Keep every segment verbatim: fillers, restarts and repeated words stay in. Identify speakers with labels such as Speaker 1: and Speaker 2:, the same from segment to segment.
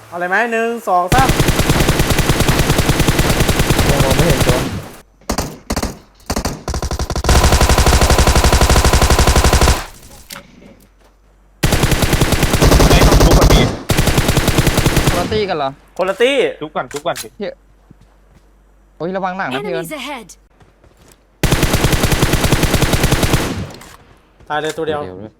Speaker 1: เอาอะไรไหมหนึ่งสองสาม
Speaker 2: ยังมองไม่เห็นตัว
Speaker 3: ไม่ต้องทุบแบบนี้
Speaker 2: คนละตี้กันเหรอ
Speaker 1: คนละตี้
Speaker 3: ทุบก่อนทุบก่อนสิ
Speaker 2: โอ้ยระวังหนังนะพี่เอิญ
Speaker 4: Enemies ahead!
Speaker 1: ตายเลยตัวเดียว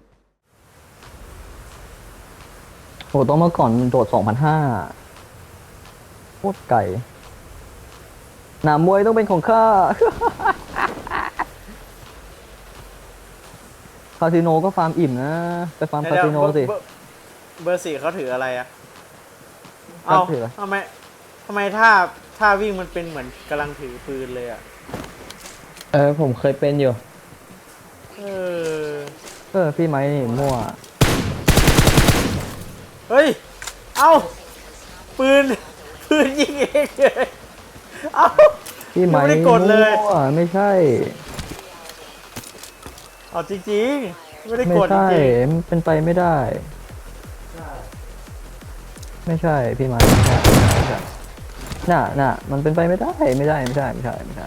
Speaker 2: โหต้องเมื่อก่อนโดดสองพันห้าโคตรไก่หนามมวยต้องเป็นของข้า คาสิโนก็ฟาร์มอิ่มนะ ไปฟาร์มคาสิโนสิ
Speaker 1: เบอร์เบอร์สี่เขาถืออะไรอะ
Speaker 2: เขา
Speaker 1: เอา
Speaker 2: ถืออะไร
Speaker 1: ทำไมทำไมท่าท่าวิ่งมันเป็นเหมือนกำลังถือปืนเลยอะ
Speaker 2: เออผมเคยเป็นอยู่
Speaker 1: เออ
Speaker 2: เออพี่ไม้นี่มั่ว
Speaker 1: เฮ้ยเอาปืนปืนยิงเองเลยเอา
Speaker 2: พี่ไม้
Speaker 1: ไม่ได้กดเลย
Speaker 2: มั่วไม่ใช่
Speaker 1: เอาจริงๆไม่ได้
Speaker 2: ไม่
Speaker 1: กดจ
Speaker 2: ใช่
Speaker 1: ริง
Speaker 2: มันเป็นไปไม่ได้ ไม่ใช่พี่ไม้ไม่ใช่ไม่ใช่น่ะน่ะมันเป็นไปไม่ได้ไม่ได้ไม่ใช่ไม่ใช่ไม่ใช่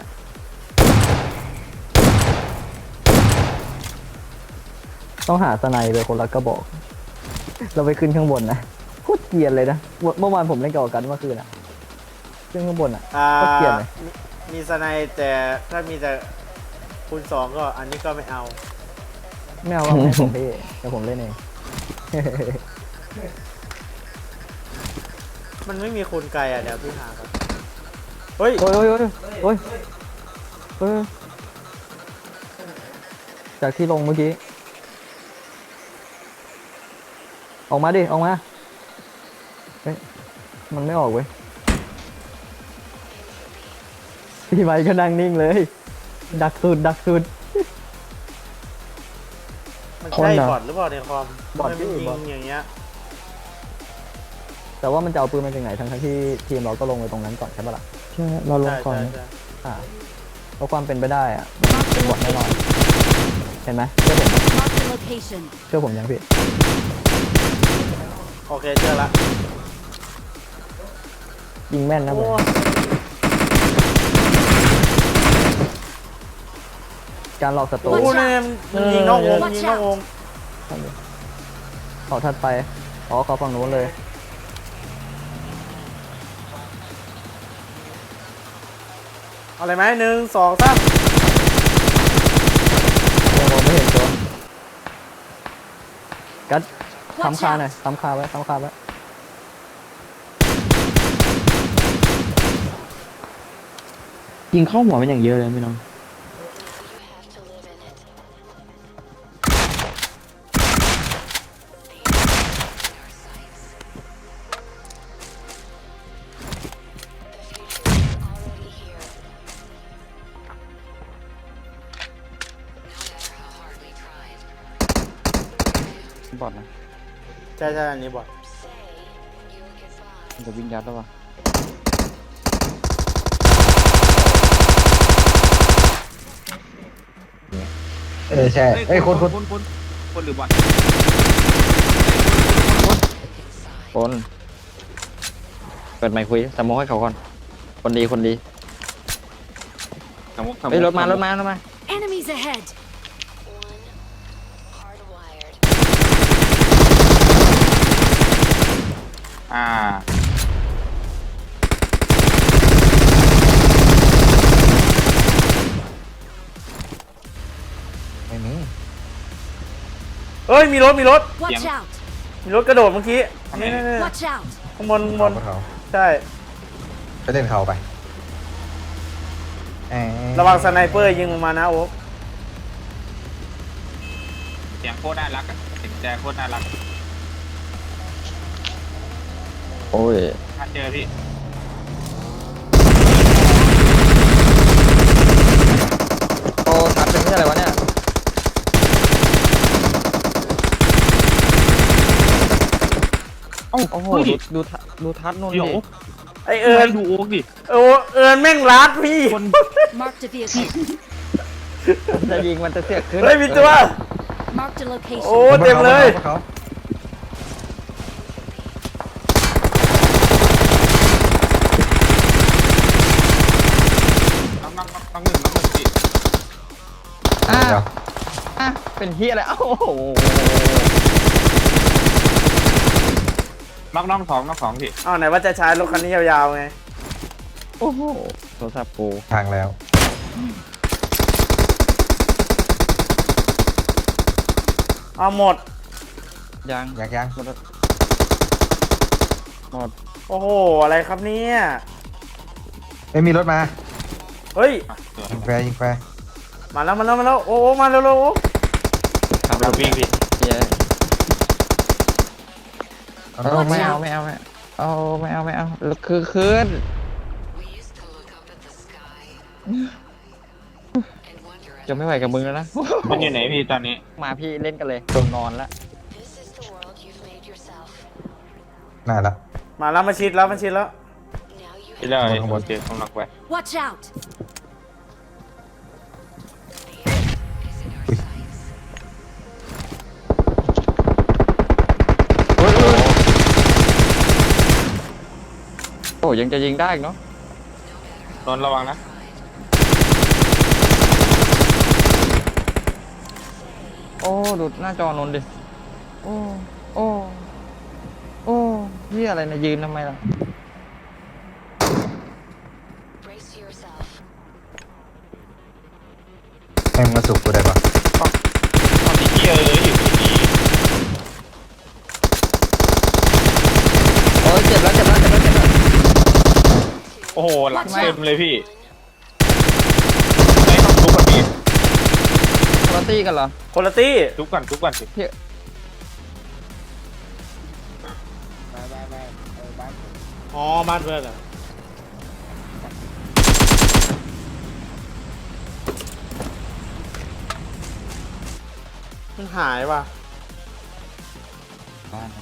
Speaker 2: ต้องหาสไนไปคนละกระบอก เราไปขึ้นข้างบนนะโคตรเกลียดเลยนะเมื่อวานผมเล่นกับกันเมื่อคืนอ่ะขึ้นข้างบนอ่ะ
Speaker 1: ๆอ่า
Speaker 2: โคตรเกลียดเลย
Speaker 1: มีมีสไนด์แต่ถ้ามีแต่คูณสองก็อันนี้ก็ไม่เอา
Speaker 2: ไม่เอาว่าให้ผมพี่เดี๋ยวผมเล่นเอง
Speaker 1: มันไม่มีคูณไกลอ่ะเดี๋ยวพี่หาครับเฮ้ย
Speaker 2: โอ้ยโอ้ยโอ้ยโอ้ยโอ้ยจากที่ลงเมื่อกี้ ออกมาดิ ออกมา เฮ้ย มันไม่ออกเว้ย พี่ไม้ก็นั่งนิ่งเลย ดักสุด ดักสุด
Speaker 1: มัน
Speaker 2: คน
Speaker 1: ใช่
Speaker 2: เหรอ
Speaker 1: บอทหรือเปล่าในคอม
Speaker 2: บอท
Speaker 1: ทำไมมัน
Speaker 2: พี่
Speaker 1: ยิ
Speaker 2: บอท
Speaker 1: งอย่างเงี้ย
Speaker 2: แต่ว่ามันจะเอาปืนมาจากไหน ทั้งทั้งที่ทีมเราก็ลงไปตรงนั้นก่อนใช่ปะล่ะ ใช่ เราลง
Speaker 1: ใช่
Speaker 2: ก่อน
Speaker 1: ใช่ใช่
Speaker 2: อ่าเพราะความเป็นไปได้อะ
Speaker 4: Mark the
Speaker 2: บอดแน่นอน
Speaker 4: location.
Speaker 2: เห็นไหมเชื่อผม
Speaker 4: Mark the location.
Speaker 2: เชื่อผมยังพี่
Speaker 1: โอเคเจอละ
Speaker 2: ยิงแม่นนะผ
Speaker 1: โอ้
Speaker 2: ม การหลอกศัตรู
Speaker 1: โหเนี่ยมันยิงนอกวง
Speaker 4: Watch
Speaker 1: ยิงนอกวง
Speaker 2: เขาถัดไป อ๋อเขาฝั่งนู้นเลย
Speaker 1: เอาอะไรไหมหนึ่งสองสาม
Speaker 2: ยังมองไม่เห็นตัว กัด
Speaker 4: Watch
Speaker 2: ทำคาหน่อยทำคาไว้ทำคาไว้
Speaker 5: ยิงเข้าหัวมันอย่างเยอะเลยพี่น้อง บอดนะ
Speaker 1: ใช่ใช่อันนี้บอท
Speaker 5: มันจะวิ่งยัดแล้ววะ
Speaker 2: เออใช่เอ้ยคนคน
Speaker 3: คนคนคนหรือบอท
Speaker 5: คนเปิดไมค์คุยสมองให้เขาก่อน คนดีคนดี
Speaker 3: สมมุติสมมุ
Speaker 5: เฮ้ย
Speaker 3: ติ
Speaker 5: รถมารถมารถมา
Speaker 4: Enemies ahead!
Speaker 3: อ่า
Speaker 2: ไม่มี
Speaker 1: เฮ้ยมีรถมีรถ
Speaker 4: Watch out!
Speaker 1: มีรถกระโดดเมื่อกี้นี่นี่นี่
Speaker 4: Watch out!
Speaker 1: ข้างบนข้างบน
Speaker 6: เขา
Speaker 1: ใช่
Speaker 6: ไปเล่นเขาไปเอ้ย
Speaker 1: ระวังสไนเปอร์ยิงลงมานะโอ๊ค
Speaker 3: เสียงโคตรน่ารักอะเสียงแจโคตรน่ารัก
Speaker 5: โอ้ย
Speaker 3: ถ้าเจอพี่
Speaker 5: โอ้ทัดเป็นที่อะไรวะเนี่ย
Speaker 3: เอ้า
Speaker 5: โอ้โห
Speaker 3: เฮ้ย
Speaker 5: ดูดูทัดดูทัดนู่นดิ
Speaker 3: เดี๋ยว
Speaker 1: ไอเอิญ
Speaker 3: ดูโอ๊กดิ
Speaker 1: โอ้เอิญแม่งรัดพี่
Speaker 3: คน
Speaker 4: Mark the vehicle.
Speaker 5: จะยิงมันจะเสียขึ้น
Speaker 1: เฮ้ยมีตัว
Speaker 4: Mark the
Speaker 1: โอ้
Speaker 4: location.
Speaker 1: เต็มเลย
Speaker 6: เขา
Speaker 3: น้องหนึ่งน้องหนึ่งพี่
Speaker 5: อ่ะ
Speaker 6: เดี๋ยว
Speaker 5: อ่ะเป็นเฮียอะไรเอ้าโอ้โห
Speaker 3: น้องน้องสองน้องสองพี่
Speaker 1: อ้าวไหนว่าจะใช้รถคันนี้ยาวๆไง
Speaker 5: โอ้โหโทรศัพท์กู
Speaker 6: ทางแล้ว
Speaker 1: เอาหมด
Speaker 5: ยัง
Speaker 6: ยังยัง
Speaker 5: หมดหมด
Speaker 1: โอ้โห อะไรครับเนี่ย
Speaker 6: ไม่มีรถมา
Speaker 1: เฮ้ย
Speaker 3: อ่ะสวย
Speaker 6: ยิงแฟร์ยิงแฟร์
Speaker 1: มาแล้วมาแล้วมาแล้วโอ้โอ้มาเร็วๆโอ้
Speaker 5: ขับรถ
Speaker 3: วิ่งพี่
Speaker 5: เฮีย
Speaker 6: เอา
Speaker 5: เอ
Speaker 6: ร
Speaker 5: อ
Speaker 6: ถ
Speaker 5: ไม่
Speaker 6: มา
Speaker 5: เอาไม่เอาไม่เอาไม่เอาไม่เอาแล้วคือคืนจะไม่ไหวกับมึงแล้วนะ
Speaker 3: มันอยู่ไหนพี่ตอนนี้
Speaker 5: มาพี่เล่นกันเลยนอนละ
Speaker 6: น่าละ
Speaker 1: มาแล้วมาชิดแล้วมาชิดแล้ว
Speaker 3: พี่เลย
Speaker 6: ข้างบน
Speaker 3: โอเคต้องล็อกไว้
Speaker 4: Watch out!
Speaker 5: โอ้ยังจะยิงได้อีกเนาะ
Speaker 3: นนท์ระวังนะ
Speaker 5: โอ้ดูหน้าจอนนท์ดิโอ้โอ้โอ้เฮียอะไรนะยืนทำไมล่ะ
Speaker 6: แม่งมาสุกกูได้ปะ
Speaker 3: ตอนนี้พี่เอออยู่ที่นี่
Speaker 5: โอ้ยเจ็บแล้วเจ็บแล้วเจ็บแล้วเจ็บแล้ว
Speaker 3: โอ้โหหลังเต็มเลยพี่ไม่ต้องทุบก่อนพี่
Speaker 5: ปาร์ตี้กันเหรอ
Speaker 1: คนละตี้
Speaker 3: ทุบก่อนทุบก่อนสิ
Speaker 5: เฮีย
Speaker 1: อ๋อบ้านเพื่อนเหรอมันหายว่ะ
Speaker 5: บ้าน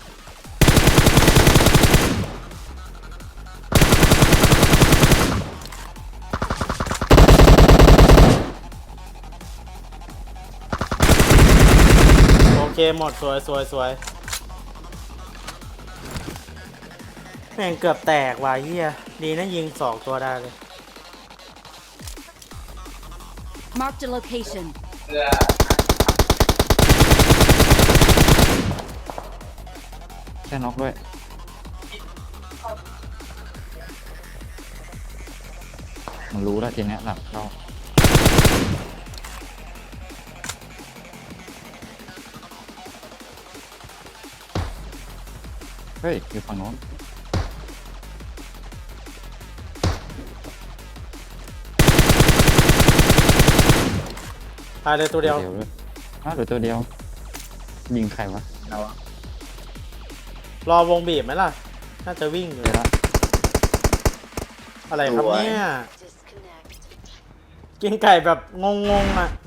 Speaker 1: โอเคหมดสวยสวยสวยแม่งเกือบแตกว่ะเฮียดีนะยิงสองตัวได้เลย
Speaker 4: Marked a location.
Speaker 5: แค่น็อกด้วยมันรู้แล้วทีเนี้ยหลับเข้าเฮ้ยอยู่ฝั่งโน้น
Speaker 1: ตายเลยตัวเดียว
Speaker 5: ด้วยอ้าวเหลือตัวเดียว ยิงใครวะเราอะ
Speaker 1: รอวงบีบไหมล่ะ น่าจะวิ่งอยู่
Speaker 5: เดี๋ยวละ
Speaker 1: อะไรครับเนี่ย กินไก่แบบงงๆอ่ะ